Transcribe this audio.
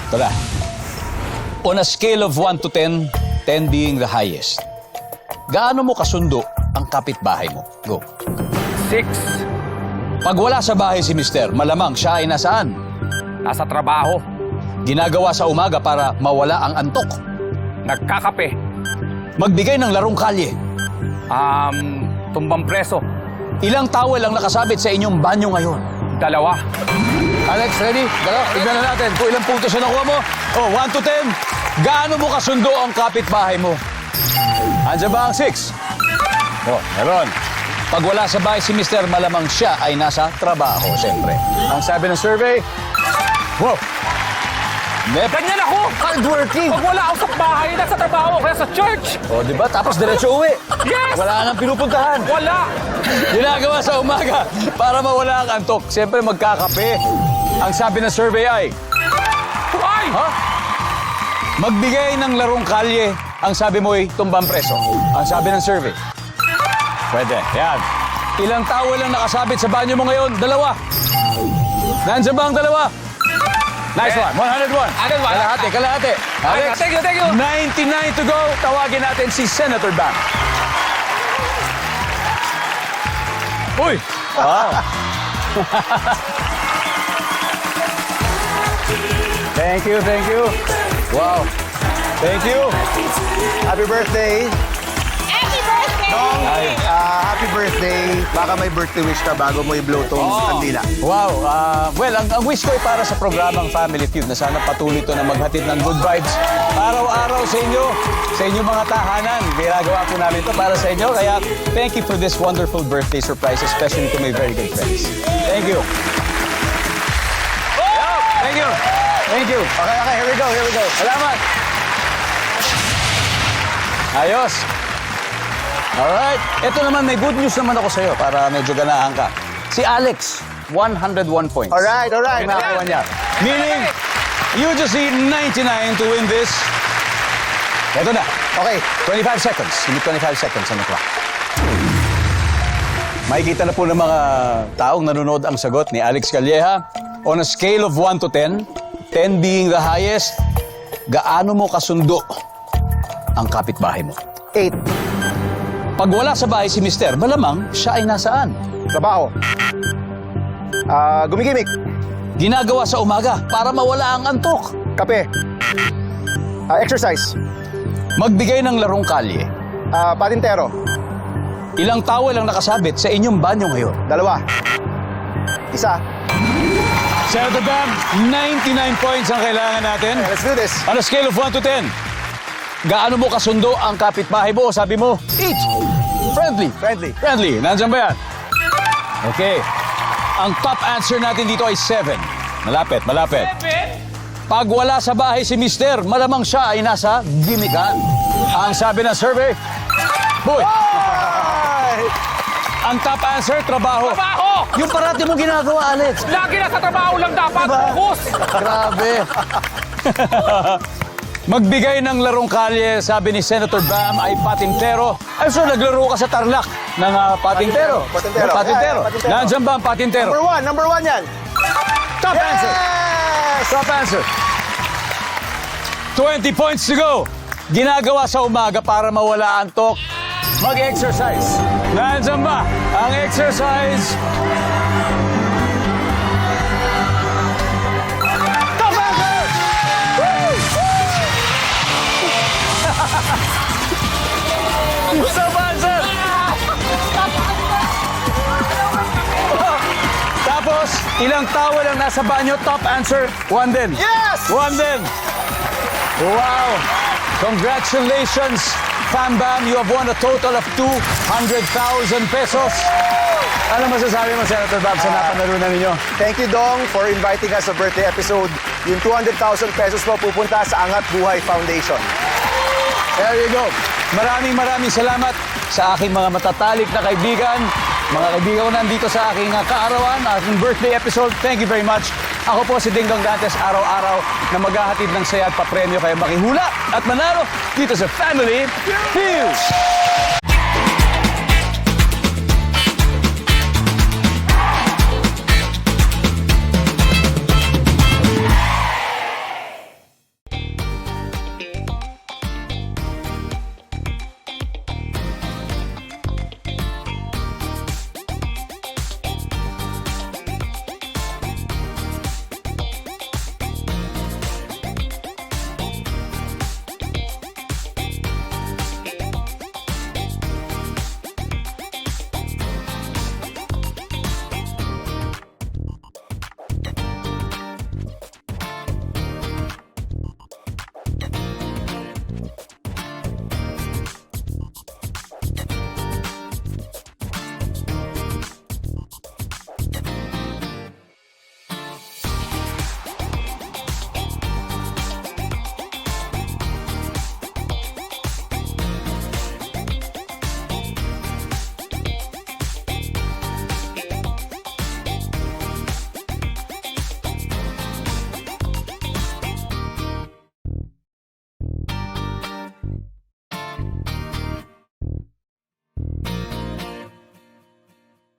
Tara. On a scale of 1 to 10, 10 being the highest, gaano mo kasundo ang kapitbahay mo? Go. 6. Pag wala sa bahay si Mister, malamang siya ay nasaan? Nasa trabaho. Ginagawa sa umaga para mawala ang antok. Nagkakape. Magbigay ng larong kalye. Tumbang preso. Ilang towel ang nakasabit sa inyong banyo ngayon? 2. Alex, ready? Dalo, tignan na natin kung ilang puntos na nakuha mo. Oh, 1 to 10. Gaano mo kasundo ang kapitbahay mo? Andiyan ba ang 6? Oh, meron. Pag wala sa bahay si Mister, malamang siya ay nasa trabaho, siyempre. Ang sabi ng survey, wow! Ganyan ako! Hardworking! Pag wala ako sa bahay, nasa trabaho, kaya sa church! O, di ba? Tapos diretso uwi. Yes! Wala nang pinupuntahan. Wala! Ginagawa sa umaga para mawala ang antok. Siyempre, magkakape. Ang sabi ng survey ay, Ay! ha? Magbigay ng larong kalye. Ang sabi mo ay tumbang preso. Ang sabi ng survey. Pwede. Yan. Ilang towel lang nakasabit sa banyo mo ngayon? 2. Nandiyan ba ang 2? Nice one. 101. Kalahati, kalahati. Alex, Thank you. 99 to go. Tawagin natin si Senator Bam. Uy! Wow. Thank you. Wow. Thank you. Happy birthday! Happy birthday! Ay. Happy birthday! Baka may birthday wish ka bago mo i-blow tong kandila. Wow. Well, ang wish ko ay para sa programang Family Feud na sana patuloy ito na maghatid ng good vibes araw-araw sa inyo, sa inyong mga tahanan. Ginagawa po namin ito para sa inyo. Kaya thank you for this wonderful birthday surprise, especially to my very good friends. Thank you. Thank you. Thank you. Okay, here we go. Salamat. Ayos. Alright. Ito naman, may good news naman ako sa'yo para medyo ganahan ka. Si Alex, 101 points. Alright. Ang nakakuha niya. Meaning, you just need 99 to win this. Ito na. Okay. 25 seconds. Give me 25 seconds on the clock. Makikita na po ng mga taong nanonood ang sagot ni Alex Calleja. On a scale of 1 to 10, 10 being the highest, gaano mo kasundo ang kapitbahay mo? 8. Pag wala sa bahay si Mister, malamang siya ay nasaan? Trabaho. Gumigimik. Ginagawa sa umaga para mawala ang antok. Kape. Exercise. Magbigay ng larong kalye. Patintero. Ilang towel ang nakasabit sa inyong banyo ngayon? 2. 1. Senator Bam, 99 points ang kailangan natin. Let's do this. On a scale of 1 to 10, gaano mo kasundo ang kapitbahay mo? Sabi mo, 8. Friendly. Nandiyan ba yan? Okay. Ang top answer natin dito ay 7. Malapit. 7? Pag wala sa bahay si Mister, malamang siya ay nasa gimikan. Ang sabi ng survey, boy, ang top answer, trabaho. Trabaho! Yung parati mong ginagawa, Alex. Lagi nasa trabaho lang dapat. Diba? Focus! Grabe. Magbigay ng larong kalye, sabi ni Senator Bam, ay patintero. I'm sure naglaro ka sa Tarlac ng patintero. Patintero. Patintero. Yeah, patintero. Nandiyan ba ang patintero? Number one yan. Top answer. Yes! Top answer. 20 points to go. Ginagawa sa umaga para mawala ang antok. Mag-exercise. Nandiyan ba ang exercise? Top answer! Top answer! Tapos, ilang towel ang nasa banyo? Top answer, 1 din. Yes! 1 din. Wow! Congratulations, Fam Bam. You have won a total of 200,000 pesos. Ano masasabi mo, Senator Bam, sa napanalunan ninyo? Thank you, Dong, for inviting us sa birthday episode. Yung 200,000 pesos mo pupunta sa Angat Buhay Foundation. There you go. Maraming salamat sa aking mga matatalik na kaibigan. Mga kaibigan ko nandito sa aking kaarawan, aking birthday episode. Thank you very much. Ako po si Ding Dong Dantes, araw-araw na maghahatid ng saya at papremyo kayo makihula at manalo dito sa Family Feud.